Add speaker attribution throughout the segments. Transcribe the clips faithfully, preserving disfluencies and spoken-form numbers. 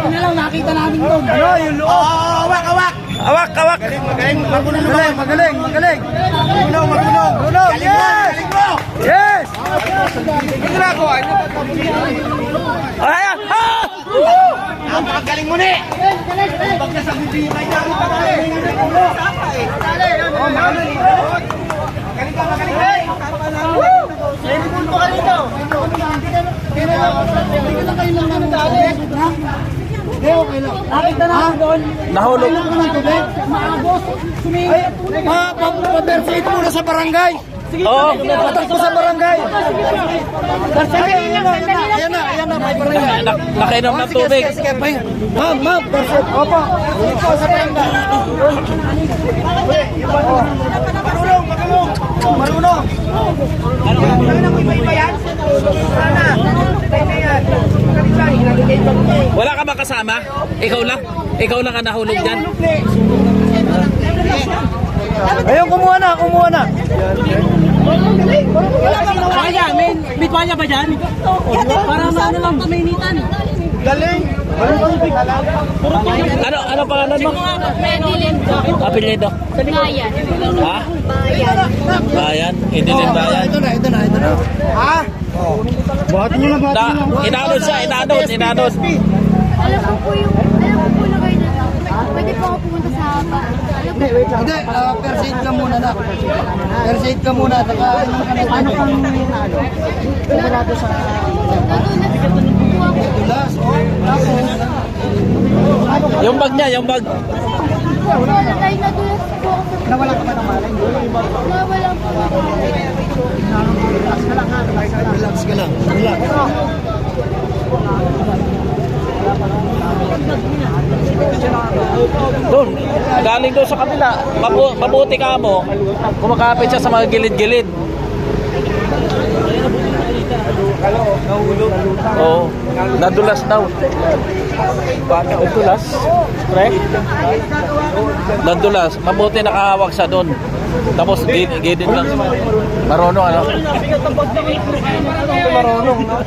Speaker 1: buti na lang nakita namin doon.
Speaker 2: Ano, yung loob?
Speaker 3: Oh, awak, awak.
Speaker 2: Awak, awak.
Speaker 3: Magaling, magaling. Marunong naman.
Speaker 2: Magaling, magaling, magaling.
Speaker 3: Marunong, marunong.
Speaker 2: Marunong,
Speaker 3: Galing mo,
Speaker 2: yes!
Speaker 3: galing mo.
Speaker 2: Yes!
Speaker 3: Ito na ako. Ano ba ito?
Speaker 2: Ayan! Ah!
Speaker 3: Napakagaling mo ni. Pag nasa bibig kayo niya, ang magaling. Oh, magaling. Magaling ka, magaling ka. Woo! Sinipul mo ka rito.
Speaker 1: Hindi lang kayo lang namin dali. Hindi, okay lang. Nakita namin doon.
Speaker 2: Nahulog.
Speaker 1: Kailan ka ng tubig? Maagos. Sumingat.
Speaker 2: Ma, pa-perfect muna sa barangay. Oo, patak mo sa barangay.
Speaker 1: Sandali lang, sandali lang.
Speaker 2: Ayan na, ayan na, may barangay.
Speaker 4: Nakainom ng tubig.
Speaker 2: Sige, sige, sige. Ma'am, ma'am, perfect. Opo. Ito sa barangay.
Speaker 3: Marunong, marunong.
Speaker 2: Marunong.
Speaker 3: Ano na mo iba yan? Sana. Tayo na yan.
Speaker 4: Wala ka ba kasama? Ikaw lang? Ikaw lang ang nahulog dyan?
Speaker 2: Ayun, kumuha na, kumuha na.
Speaker 1: Kaya, may bitwanya ba dyan? Para maano lang pamainitan.
Speaker 3: Galing.
Speaker 4: Ano ano pangalan mo? Apelyido.
Speaker 5: Bayan.
Speaker 4: Ha?
Speaker 5: Bayan.
Speaker 4: Bayan. Idilin Bayan.
Speaker 2: Ito na, ito na, ito na. Ha? Buhatin nyo na,
Speaker 4: Na, inanod siya, inanod, inanod.
Speaker 5: Alam ko po yung, alam ko po na kayo na lang. Pwede po ako pumunta sa bahay. Alam ko po.
Speaker 2: Hindi, uh, first aid ka muna na. First aid ka muna. Saka, ano kang ano? Wala doon sa...
Speaker 5: Nadulas po ako.
Speaker 2: Tulas, oh.
Speaker 4: Yung bag niya, yung bag.
Speaker 5: Wala tayo nadulas po ako.
Speaker 2: Nawala ka ba ng malay?
Speaker 5: Nawala po ako.
Speaker 2: Relax ka lang, ha? Relax ka lang. Relax.
Speaker 4: Doon, galing doon sa kabila. Mabu mabuti ka mo. Kumakapit siya sa mga gilid-gilid. Oo, nadulas daw. Nadulas? Correct? Nadulas. Mabuti nakahawak siya doon. Tapos gilid lang. Marunong ano?
Speaker 2: Marunong, no?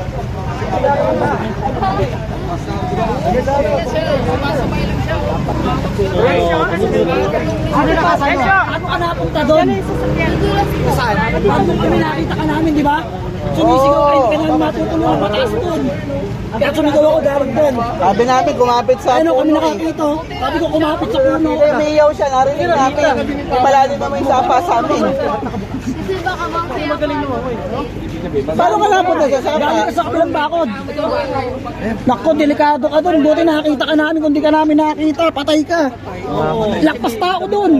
Speaker 1: Ano na kasama? Ano ka napunta doon?
Speaker 5: Nadulas po.
Speaker 1: Saan? Paano kami nakita ka namin, di ba? Sumisigaw kayo, hindi ka namin matutulungan mataas doon. Kaya sumigaw ako dapat doon.
Speaker 2: Sabi namin, kumapit sa
Speaker 1: Ano kami nakakita? Sabi ko kumapit sa puno.
Speaker 2: Umiyaw siya, narinig namin. Malalim naman yung sapa sa amin.
Speaker 5: Kasi baka mamaya po.
Speaker 2: Paano ka napunta sa sapa?
Speaker 1: Galing ka sa kabilang bakod. Naku, delikado ka doon. Buti nakakita ka namin. Kung di ka namin nakakita, patay ka. Lakpas tao doon.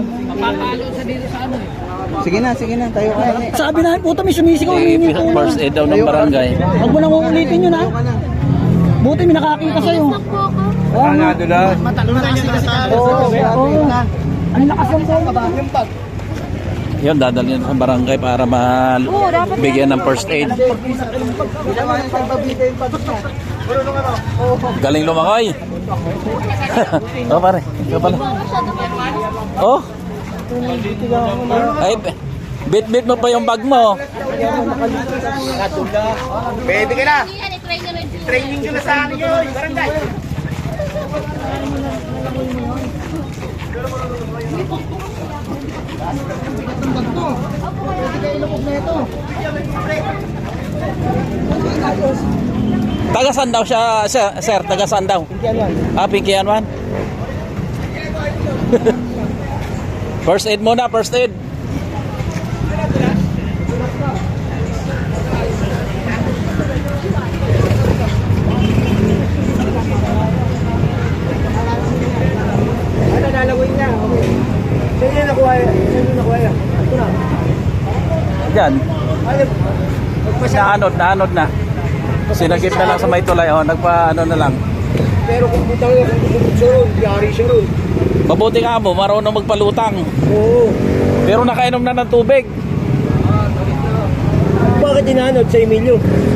Speaker 2: Sige na, sige na, tayo ka.
Speaker 1: Sabi namin, puto may sumisigaw. Humingi po.
Speaker 4: First aid daw ng barangay.
Speaker 1: Huwag mo nang uulitin yun, ha? Buti may nakakita sa'yo.
Speaker 5: Nadulas po ako.
Speaker 1: Oo, nga.
Speaker 2: Dulas.
Speaker 1: Matalo na kasi kasi. Oo, oo. Ang lakas ng bola ba?
Speaker 4: Yun, dadalhin sa barangay para mabigyan ng first aid. Galing lumakay. Oh, pare. Ikaw pala. Oh. Ay, bit-bit mo pa yung bag mo.
Speaker 3: Pwede ka na.
Speaker 5: Yan, i-try nyo rin.
Speaker 3: Training ko na sa akin yun. Barangay.
Speaker 4: Tagasan daw siya, sir, sir tagasan daw. Ah, Pinky Anwan. First aid muna, first aid.
Speaker 3: Ano, nalawin niya. Okay. Saan yun nakuha yan? Saan yun nakuha yan? Ito na.
Speaker 4: Diyan.
Speaker 3: Ay,
Speaker 4: Naanod, naanod na. Sinagip na lang sa may tulay. Oh, nagpa ano na lang.
Speaker 3: pero kung butang niya, kung bubog siya ron, yari siya ron.
Speaker 4: Mabuti nga mo, marunong magpalutang.
Speaker 3: Oo.
Speaker 4: Pero nakainom na ng tubig.
Speaker 3: Bakit inanod sa Emilio?